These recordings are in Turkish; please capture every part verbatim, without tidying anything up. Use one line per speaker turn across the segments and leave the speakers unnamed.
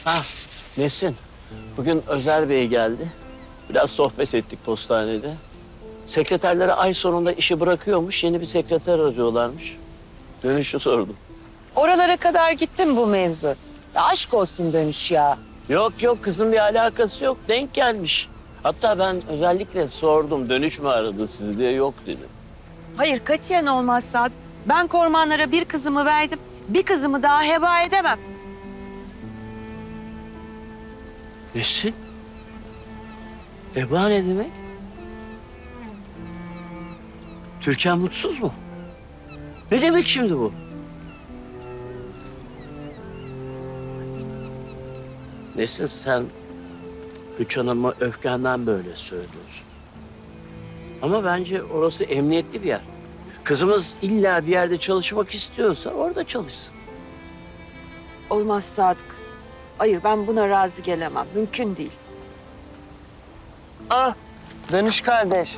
Ha, Nesin. Bugün Özer Bey geldi. Biraz sohbet ettik postanede. Sekreterlere ay sonunda işi bırakıyormuş, yeni bir sekreter arıyorlarmış. Dönüşü sordum.
Oralara kadar gittim bu mevzu. Ya aşk olsun Dönüş ya.
Yok yok kızın bir alakası yok, denk gelmiş. Hatta ben özellikle sordum, dönüş mü aradı sizi diye, yok dedi.
Hayır katiyen olmaz Sadık. Ben kormanlara bir kızımı verdim. Bir kızımı daha heba edemem.
Nesin? Eba ne demek? Türkan mutsuz mu? Ne demek şimdi bu? Nesin sen Üç Hanım'a öfkenden böyle söylüyorsun. Ama bence orası emniyetli bir yer. Kızımız illa bir yerde çalışmak istiyorsa orada çalışsın.
Olmaz Sadık. Hayır ben buna razı gelemem. Mümkün değil.
Ah, Dönüş kardeş.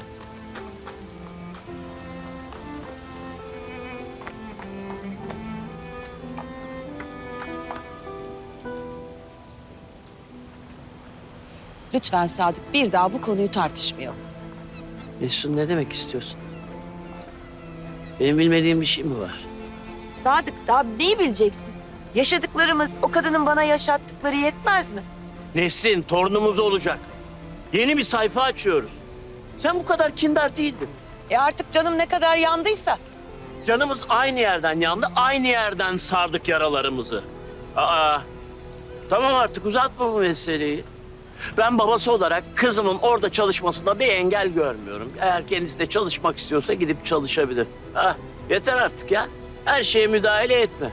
Lütfen Sadık bir daha bu konuyu tartışmayalım.
Nesin ne demek istiyorsun? Benim bilmediğim bir şey mi var?
Sadık daha neyi bileceksin? Yaşadıklarımız o kadının bana yaşattıkları yetmez mi?
Nesin torunumuz olacak. Yeni bir sayfa açıyoruz. Sen bu kadar kindar değildin.
E artık canım ne kadar yandıysa.
Canımız aynı yerden yandı, aynı yerden sardık yaralarımızı. Aa, tamam artık uzatma bu meseleyi. Ben babası olarak kızımın orada çalışmasında bir engel görmüyorum. Eğer kendisi de çalışmak istiyorsa gidip çalışabilir. Ha, yeter artık ya. Her şeye müdahale etme.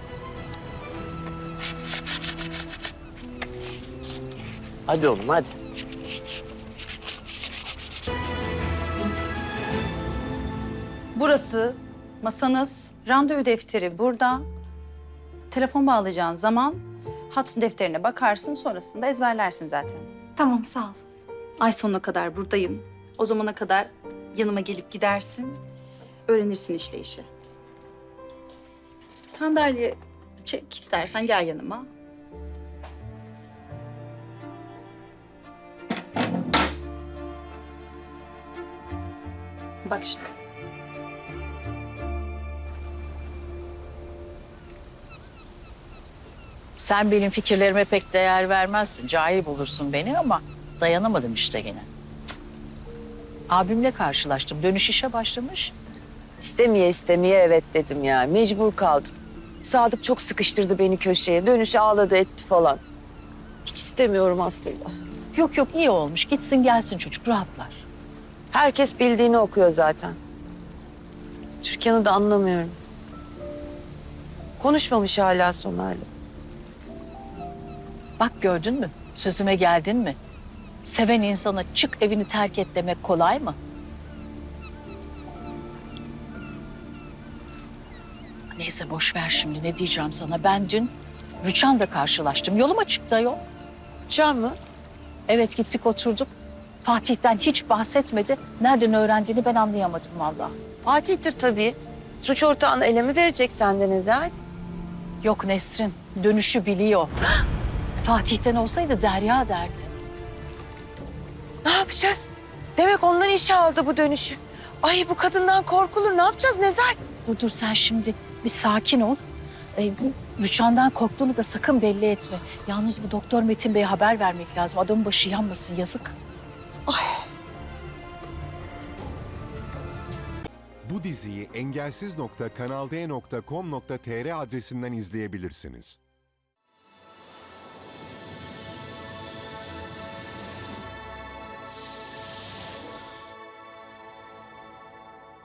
Hadi oğlum hadi.
Burası masanız, randevu defteri burada. Telefon bağlayacağın zaman hat defterine bakarsın, sonrasında ezberlersin zaten.
Tamam, sağ ol.
Ay sonuna kadar buradayım. O zamana kadar yanıma gelip gidersin, öğrenirsin işleyişi. Sandalye çek istersen, gel yanıma. Bak şimdi.
Sen benim fikirlerime pek değer vermezsin. Cahil bulursun beni ama dayanamadım işte gene. Cık. Abimle karşılaştım. Dönüş işe başlamış.
İstemeye istemeye evet dedim ya. Mecbur kaldım. Sadık çok sıkıştırdı beni köşeye. Dönüş ağladı etti falan. Hiç istemiyorum aslında.
Yok yok iyi olmuş. Gitsin gelsin çocuk rahatlar.
Herkes bildiğini okuyor zaten. Türkan'ı da anlamıyorum. Konuşmamış hala Somer'le.
Bak gördün mü? Sözüme geldin mi? Seven insana çık evini terk et demek kolay mı? Neyse boş ver şimdi ne diyeceğim sana. Ben dün Rüçhan'la karşılaştım. Yoluma çıktı ayol.
Can mı?
Evet gittik oturduk. Fatih'ten hiç bahsetmedi. Nereden öğrendiğini ben anlayamadım vallahi.
Fatih'tir tabii. Suç ortağını ele mi verecek senden Ezel?
Yok Nesrin, dönüşü biliyor. Fatih'ten olsaydı Derya derdi.
Ne yapacağız? Demek ondan işe aldı bu dönüşü. Ay bu kadından korkulur. Ne yapacağız Nezel?
Dur dur sen şimdi bir sakin ol. Ee, bu Rüçhan'dan korktuğunu da sakın belli etme. Yalnız bu Doktor Metin Bey'e haber vermek lazım. Adamın başı yanmasın yazık.
Bu diziyi engelsiz nokta kanal d nokta com nokta tr adresinden izleyebilirsiniz.